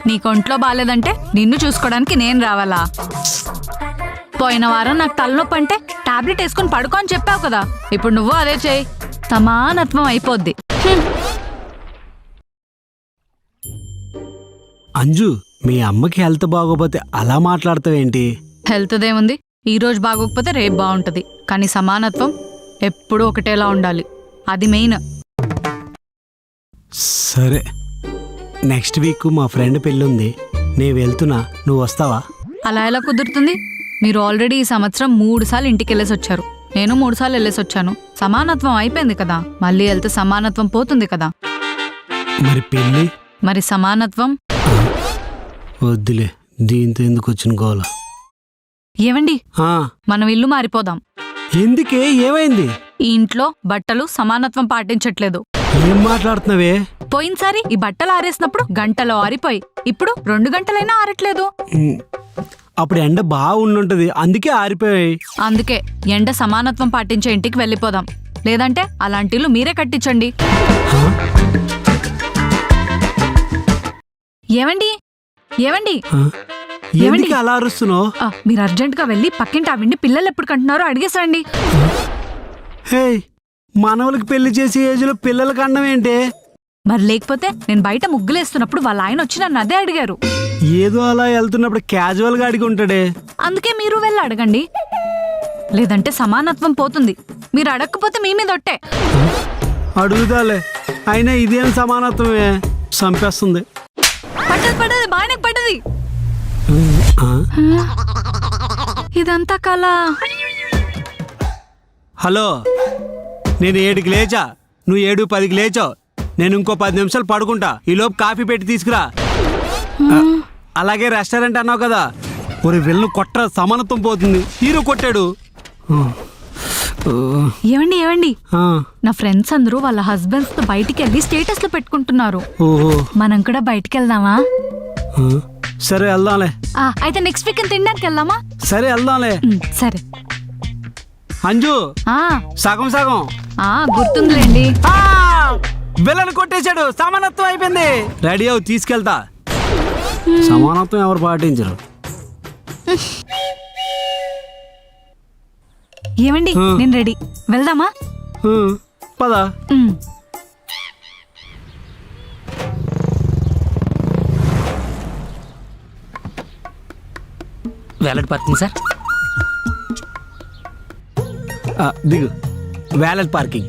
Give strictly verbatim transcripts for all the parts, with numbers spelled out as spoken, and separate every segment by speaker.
Speaker 1: నీకు ఒంట్లో బాగాలేదంటే నిన్ను చూసుకోవడానికి నేను రావాలా? పోయిన వారం నాకు తలనొప్పి అంటే టాబ్లెట్ వేసుకుని పడుకో అని చెప్పావు కదా, ఇప్పుడు నువ్వు అదే చేయి, సమానత్వం అయిపోద్ది.
Speaker 2: అంజు, మీ అమ్మకి హెల్త్ బాగోపోతే అలా మాట్లాడతావేంటి?
Speaker 1: హెల్త్ దేముంది, ఈ రోజు బాగోకపోతే రేపు బాగుంటది, కానీ సమానత్వం ఎప్పుడూ ఒకటేలా ఉండాలి, అది మెయిన్.
Speaker 2: సరే, నెక్స్ట్ వీక్ మా ఫ్రెండ్ పెళ్ళుంది, నేను వెళ్తున్నా, నువ్వు వస్తావా?
Speaker 1: అలా ఎలా కుదురుతుంది? మీరు ఆల్రెడీ ఈ సంవత్సరం మూడు సార్లు ఇంటికి వెళ్ళేసి వచ్చారు, నేను మూడు సార్లు వెళ్ళేసి వచ్చాను. సమానత్వం అయిపోయింది కదా, మళ్ళీ వెళ్తే సమానత్వం పోతుంది కదా.
Speaker 2: మరి పెళ్ళి?
Speaker 1: మరి సమానత్వం
Speaker 2: వద్దులే, దీంతో ఎందుకు వచ్చిన గోల?
Speaker 1: ఏవండి,
Speaker 2: ఆ,
Speaker 1: మనం ఇల్లు మారిపోదాం.
Speaker 2: ఎందుకే, ఏమైంది?
Speaker 1: ఈ ఇంట్లో బట్టలు సమానత్వం పాటించట్లేదు.
Speaker 2: ఏం మాట్లాడుతున్నావే?
Speaker 1: పోయినసారి ఈ బట్టలు ఆరేసినప్పుడు గంటలో ఆరిపోయి, ఇప్పుడు రెండు గంటలైనా ఆరట్లేదు.
Speaker 2: ఉమ్, అప్పుడు ఎండ బాగా ఉండుంటది, అందుకే ఆరిపోయాయి.
Speaker 1: అందుకే ఎండ సమానత్వం పాటించే ఇంటికి వెళ్ళిపోదాం, లేదంటే అలాంటి ఇల్లు మీరే కట్టించండి.
Speaker 2: హా?
Speaker 1: ఏవండి ఏవండి
Speaker 2: హా? ఎందుకు అలా అరుస్తున్నావు?
Speaker 1: ఆ, మీరు అర్జెంట్ గా వెళ్ళి పక్కింటి ఆవిడ్ని పిల్లలు ఎప్పుడు కంటున్నారో అడిగేసండి.
Speaker 2: హే, మనవలకి పెళ్లి చేసే ఏజ్లో పిల్లలకి అన్నం ఏంటి?
Speaker 1: మరి లేకపోతే నేను బయట ముగ్గులేస్తున్నప్పుడు వాళ్ళ ఆయన వచ్చి నన్ను అదే అడిగారు.
Speaker 2: ఏదో అలా వెళ్తున్నప్పుడు క్యాజువల్ గా అడిగి ఉంటాడే.
Speaker 1: అందుకే మీరు వెళ్ళి అడగండి, లేదంటే సమానత్వం పోతుంది. మీరు అడగకపోతే మీ మీద ఒట్టే.
Speaker 2: అడుగుతాలే, అయినా ఇదేం సమానత్వమే, చంపేస్తుంది.
Speaker 1: పడ్డది పడ్డది బాగానే పడ్డది.
Speaker 2: ఆ?
Speaker 1: ఇదంతా కళ.
Speaker 2: హలో, నేను ఏడుకి లేచా, నువ్వు ఏడు పదికి లేచావు, నేను ఇంకో పది నిమిషాలు పడుకుంటా, ఈలోపు కాఫీ పెట్టి తీసుకురా. ఆ, అలాగే రెస్టారెంట్ అన్నావు కదా, ఒక వెళ్ళను కొట్ట, సమానత్వం పోతుంది. హీరో కొట్టాడు.
Speaker 1: ఏవండి ఏవండి
Speaker 2: ఆ,
Speaker 1: నా ఫ్రెండ్స్ అందరూ వాళ్ళ హస్బెండ్స్ తో బయటికి వెళ్ళి స్టేటస్ లో పెట్టుకుంటున్నారు.
Speaker 2: ఓహో,
Speaker 1: మనం కూడా బయటికి వెళ్దామా?
Speaker 2: ఆ, సరే వెళ్దాంలే.
Speaker 1: ఆ, అయితే నెక్స్ట్ వీక్ తినడానికి వెళ్దామా?
Speaker 2: సరే వెళ్దాంలే.
Speaker 1: ఉమ్, సరే.
Speaker 2: అంజు,
Speaker 1: ఆ
Speaker 2: సగం సగం.
Speaker 1: ఆ గుర్తుందిలేండి.
Speaker 2: బిల్లను కొట్టేశాడు, సమానత్వం అయిపోయింది. రెడీ అవు, తీసుకెళ్తా. సమానత్వం ఎవరు పాటించరు.
Speaker 1: ఏమండి, నేను రెడీ, వెళ్దామా?
Speaker 2: ఆ, పద.
Speaker 1: ఉమ్.
Speaker 3: Valet parking sir.
Speaker 2: ఆ, దిగు. Valet parking.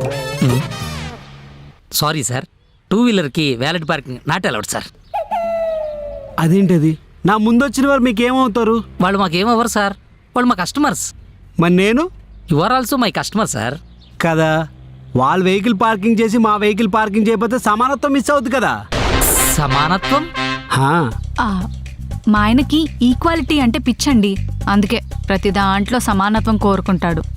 Speaker 3: Sorry sir, two వీలర్కి valet parking not allowed sir.
Speaker 2: అదేంటది? నా ముందు వచ్చిన వారు మీకేమవుతారు?
Speaker 3: వాళ్ళు మాకేమవ్వరు సార్, వాళ్ళు మా కస్టమర్స్.
Speaker 2: మరి నేను?
Speaker 3: You are also my customer sir.
Speaker 2: కదా, వాళ్ళ వెహికల్ పార్కింగ్ చేసి మా వెహికల్ పార్కింగ్ చేయకపోతే సమానత్వం మిస్ అవుతుంది కదా.
Speaker 3: సమానత్వం?
Speaker 2: హా.
Speaker 1: ఆ, మా ఆయనకి ఈక్వాలిటీ అంటే పిచ్చండి, అందుకే ప్రతి దాంట్లో సమానత్వం కోరుకుంటాడు.